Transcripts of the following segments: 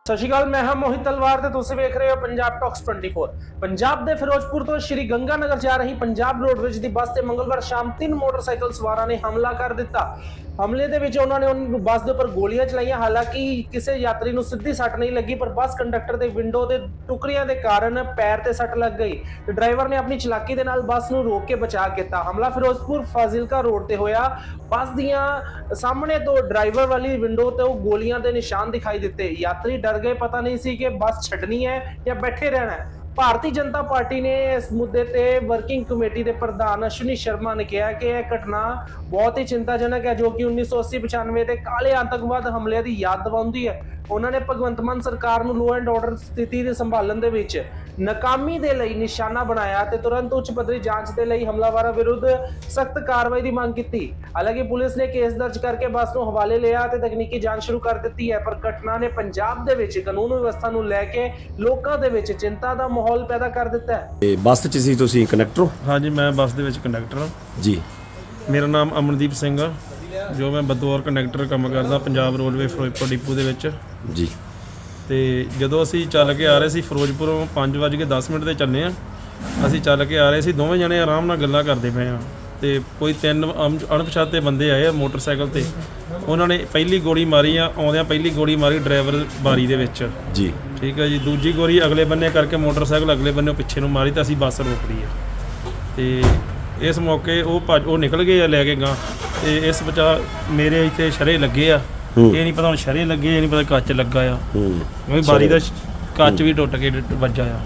ਸਤਿ ਸ਼੍ਰੀ ਅਕਾਲ, ਮੈਂ ਹਾਂ ਮੋਹਿਤ ਤਲਵਾਰ ਤੇ ਤੁਸੀਂ ਵੇਖ ਰਹੇ ਹੋ ਪੰਜਾਬ ਟਾਕਸ 24। ਪੰਜਾਬ ਦੇ ਫਿਰੋਜ਼ਪੁਰ ਤੋਂ ਸ਼੍ਰੀ ਗੰਗਾਨਗਰ ਜਾ ਰਹੀ ਪੰਜਾਬ ਰੋਡਵੇਜ਼ ਦੀ ਬੱਸ ਤੇ ਮੰਗਲਵਾਰ ਸ਼ਾਮ 3 ਮੋਟਰਸਾਈਕਲ ਸਵਾਰਾਂ ਨੇ ਹਮਲਾ ਕਰ ਦਿੱਤਾ। ਹਮਲੇ ਦੇ ਵਿੱਚ ਉਹਨਾਂ ਨੇ ਬੱਸ ਦੇ ਉੱਪਰ ਗੋਲੀਆਂ ਚਲਾਈਆਂ। ਹਾਲਾਂਕਿ ਕਿਸੇ ਯਾਤਰੀ ਨੂੰ ਸਿੱਧੀ ਸੱਟ ਨਹੀਂ ਲੱਗੀ, ਪਰ ਬੱਸ ਕੰਡਕਟਰ ਦੇ ਵਿੰਡੋ ਦੇ ਟੁਕੜਿਆਂ ਦੇ ਕਾਰਨ ਪੈਰ ਤੇ ਸੱਟ ਲੱਗ ਗਈ ਤੇ ਡਰਾਈਵਰ ਨੇ ਆਪਣੀ ਚਲਾਕੀ ਦੇ ਨਾਲ ਬੱਸ ਨੂੰ ਰੋਕ ਕੇ ਬਚਾ ਕੀਤਾ। ਹਮਲਾ ਫਿਰੋਜ਼ਪੁਰ ਫਾਜ਼ਿਲਕਾ ਰੋਡ ਤੇ ਹੋਇਆ। ਬੱਸ ਦੀਆਂ ਸਾਹਮਣੇ ਤੋਂ ਡਰਾਈਵਰ ਵਾਲੀ ਵਿੰਡੋ ਤੇ ਉਹ ਗੋਲੀਆਂ ਦੇ ਨਿਸ਼ਾਨ ਦਿਖਾਈ ਦਿੱਤੇ। ਯਾਤਰੀ ਡਰ ਗਏ, ਪਤਾ ਨਹੀਂ ਸੀ ਕਿ ਬੱਸ ਛੱਡਣੀ ਹੈ ਜਾਂ ਬੈਠੇ ਰਹਿਣਾ ਹੈ। ਭਾਰਤੀ ਜਨਤਾ ਪਾਰਟੀ ਨੇ ਇਸ ਮੁੱਦੇ ਤੇ ਵਰਕਿੰਗ ਕਮੇਟੀ ਦੇ ਪ੍ਰਧਾਨ ਅਸ਼ਵਨੀ ਸ਼ਰਮਾ ਨੇ ਕਿਹਾ ਕਿ ਇਹ ਘਟਨਾ ਬਹੁਤ ਹੀ ਚਿੰਤਾਜਨਕ ਹੈ, ਜੋ ਕਿ 1980-95 ਦੇ ਕਾਲੇ ਆਤੰਕਵਾਦ ਹਮਲਿਆਂ ਦੀ ਯਾਦ ਦਿਵਾਉਂਦੀ ਹੈ। ਉਹਨਾਂ ਨੇ ਭਗਵੰਤ ਮਾਨ ਸਰਕਾਰ ਨੂੰ ਲਾਅ ਐਂਡ ਆਰਡਰ ਸਥਿਤੀ ਦੇ ਸੰਭਾਲਣ ਦੇ ਵਿੱਚ ਨਾਕਾਮੀ ਦੇ ਲਈ ਨਿਸ਼ਾਨਾ ਬਣਾਇਆ ਤੇ ਤੁਰੰਤ ਉੱਚ ਪੱਧਰੀ ਜਾਂਚ ਦੇ ਲਈ ਹਮਲਾਵਰਾਂ ਵਿਰੁੱਧ ਸਖਤ ਕਾਰਵਾਈ ਦੀ ਮੰਗ ਕੀਤੀ। ਹਾਲਾਂਕਿ ਪੁਲਿਸ ਨੇ ਕੇਸ ਦਰਜ ਕਰਕੇ ਬੱਸ ਨੂੰ ਹਵਾਲੇ ਲਿਆ ਤੇ ਤਕਨੀਕੀ ਜਾਂਚ ਸ਼ੁਰੂ ਕਰ ਦਿੱਤੀ ਹੈ, ਪਰ ਘਟਨਾ ਨੇ ਪੰਜਾਬ ਦੇ ਵਿੱਚ ਕਾਨੂੰਨ ਵਿਵਸਥਾ ਨੂੰ ਲੈ ਕੇ ਲੋਕਾਂ ਦੇ ਵਿੱਚ ਚਿੰਤਾ ਦਾ ਮਾਹੌਲ ਪੈਦਾ ਕਰ ਦਿੱਤਾ ਹੈ। ਬੱਸ 'ਚ ਸੀ ਤੁਸੀਂ ਕੰਡਕਟਰ ਹੋ? ਹਾਂਜੀ, ਮੈਂ ਬੱਸ ਦੇ ਵਿੱਚ ਕੰਡਕਟਰ ਹਾਂ ਜੀ। ਮੇਰਾ ਨਾਮ ਅਮਨਦੀਪ ਸਿੰਘ ਆ, ਜੋ ਮੈਂ ਬਤੌਰ ਕੰਡਕਟਰ ਕੰਮ ਕਰਦਾ ਪੰਜਾਬ ਰੋਡਵੇ ਫਿਰੋਜ਼ਪੁਰ ਡਿਪੂ ਦੇ ਵਿੱਚ ਜੀ। ਤੇ ਜਦੋਂ ਅਸੀਂ ਚੱਲ ਕੇ ਆ ਰਹੇ ਸੀ ਫਿਰੋਜ਼ਪੁਰੋਂ 5:10 ਤੇ ਚੱਲੇ ਆ। ਅਸੀਂ ਚੱਲ ਕੇ ਆ ਰਹੇ ਸੀ, ਦੋਵੇਂ ਜਣੇ ਆਰਾਮ ਨਾਲ ਗੱਲਾਂ ਕਰਦੇ ਪਏ ਆ ਤੇ ਕੋਈ 3 ਅਣਪਛਾਤੇ ਬੰਦੇ ਆਏ ਆ ਮੋਟਰਸਾਈਕਲ ਤੇ। ਉਹਨਾਂ ਨੇ ਪਹਿਲੀ ਗੋਲੀ ਮਾਰੀ ਆ, ਆਉਂਦਿਆਂ ਪਹਿਲੀ ਗੋਲੀ ਮਾਰੀ ਡਰਾਈਵਰ ਬਾਰੀ ਦੇ ਵਿੱਚ ਜੀ। ਠੀਕ ਹੈ ਜੀ। ਦੂਜੀ ਗੋਲੀ ਅਗਲੇ ਬੰਨੇ ਕਰਕੇ ਮੋਟਰਸਾਈਕਲ ਅਗਲੇ ਬੰਨੇ ਪਿੱਛੇ ਨੂੰ ਮਾਰੀ ਤਾਂ ਅਸੀਂ ਬੱਸ ਰੋਕ ਲਈ ਆ। ਤੇ ਇਸ ਮੌਕੇ ਉਹ ਨਿਕਲ ਗਏ ਆ ਲੈ ਕੇ ਗਾਂ, ਤੇ ਇਸ ਬਚਾ ਮੇਰੇ ਇੱਥੇ ਸ਼ਰੇ ਲੱਗੇ ਆ। ਇਹ ਨਹੀਂ ਪਤਾ ਹੁਣ ਸ਼ਰੇ ਲੱਗੇ, ਇਹ ਨਹੀਂ ਪਤਾ ਕੱਚ ਲੱਗਾ ਆ। ਬਾਰੀ ਦਾ ਕੱਚ ਵੀ ਟੁੱਟ ਕੇ ਵੱਜਾ ਆ।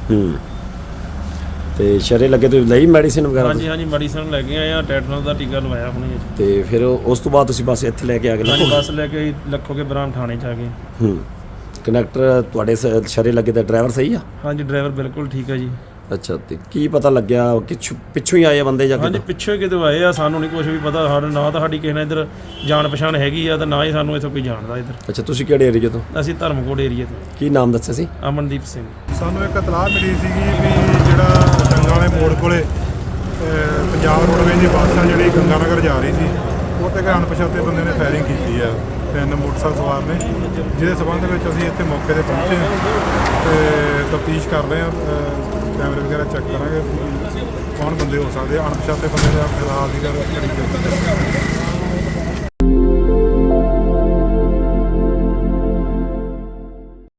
ਤੇ ਸ਼ਰੇ ਲੱਗੇ ਤੁਸੀਂ ਲਈ ਮੈਡੀਸਿਨ ਵਗੈਰਾ? ਹਾਂਜੀ, ਮੈਡੀਸਨ ਲੈ ਕੇ ਆਏ ਆ, ਟੈਟਨਸ ਦਾ ਟੀਕਾ ਲਵਾਇਆ ਹੁਣੇ। ਤੇ ਫਿਰ ਉਸ ਤੋਂ ਬਾਅਦ ਤੁਸੀਂ ਬੱਸ ਇੱਥੇ ਲੈ ਕੇ ਆ ਗਏ? ਹਾਂਜੀ, ਬੱਸ ਲੈ ਕੇ ਲੱਖੋਗੇ ਬਰਾਮ ਥਾਣੇ 'ਚ ਆ ਗਏ। ਕੰਡਕਟਰ ਤੁਹਾਡੇ ਸ਼ਰੇ ਲੱਗੇ ਤਾਂ ਡਰਾਈਵਰ ਸਹੀ ਆ? ਹਾਂਜੀ, ਡਰਾਈਵਰ ਬਿਲਕੁਲ ਠੀਕ ਆ ਜੀ। ਅੱਛਾ, ਤੇ ਕੀ ਪਤਾ ਲੱਗਿਆ ਕਿ ਪਿੱਛੋਂ ਹੀ ਆਏ ਬੰਦੇ ਜਾਂ ਹਾਂਜੀ, ਪਿੱਛੋਂ ਹੀ ਕਿਤੇ ਆਏ ਆ। ਸਾਨੂੰ ਨਹੀਂ ਕੁਝ ਵੀ ਪਤਾ, ਸਾਡਾ ਨਾ ਤਾਂ ਸਾਡੀ ਕਿਸੇ ਨਾਲ ਇੱਧਰ ਜਾਣ ਪਛਾਣ ਹੈਗੀ ਆ ਤੇ ਨਾ ਹੀ ਸਾਨੂੰ ਇੱਥੋਂ ਕੋਈ ਜਾਣਦਾ ਇੱਧਰ। ਅੱਛਾ, ਤੁਸੀਂ ਕਿਹੜੇ ਏਰੀਏ ਤੋਂ? ਅਸੀਂ ਧਰਮਕੋਟ ਏਰੀਏ ਤੋਂ। ਕੀ ਨਾਮ ਦੱਸਿਆ ਸੀ? ਅਮਨਦੀਪ ਸਿੰਘ। ਸਾਨੂੰ ਇੱਕ ਇਤਲਾਹ ਮਿਲੀ ਸੀਗੀ ਵੀ ਜਿਹੜਾ ਜੰਗਾਂ ਵਾਲੇ ਮੋੜ ਕੋਲੇ ਪੰਜਾਬ ਰੋਡਵੇਜ਼ ਦੀ ਬੱਸ ਆ ਜਿਹੜੀ ਗੰਗਾਨਗਰ ਜਾ ਰਹੀ ਸੀ, ਉਹ 'ਤੇ ਅਣਪਛਾਤੇ ਬੰਦੇ ਨੇ ਫਾਇਰਿੰਗ ਕੀਤੀ ਆ 3 ਮੋਟਰਸਾਈਕਲ ਸਵਾਰ ਨੇ, ਜਿਹਦੇ ਸਬੰਧ ਵਿੱਚ ਅਸੀਂ ਇੱਥੇ ਮੌਕੇ 'ਤੇ ਪਹੁੰਚੇ ਤੇ ਤਫਤੀਸ਼ ਕਰ ਰਹੇ ਹਾਂ। ਕੈਮਰੇ ਵਗੈਰਾ ਚੈੱਕ ਕਰਾਂਗੇ ਕੌਣ ਬੰਦੇ ਹੋ ਸਕਦੇ ਆ। ਅਣਪਛਾਤੇ ਬੰਦੇ ਦਾ ਫਿਲਹਾਲ ਦੀ ਗੱਲ ਕਰੀ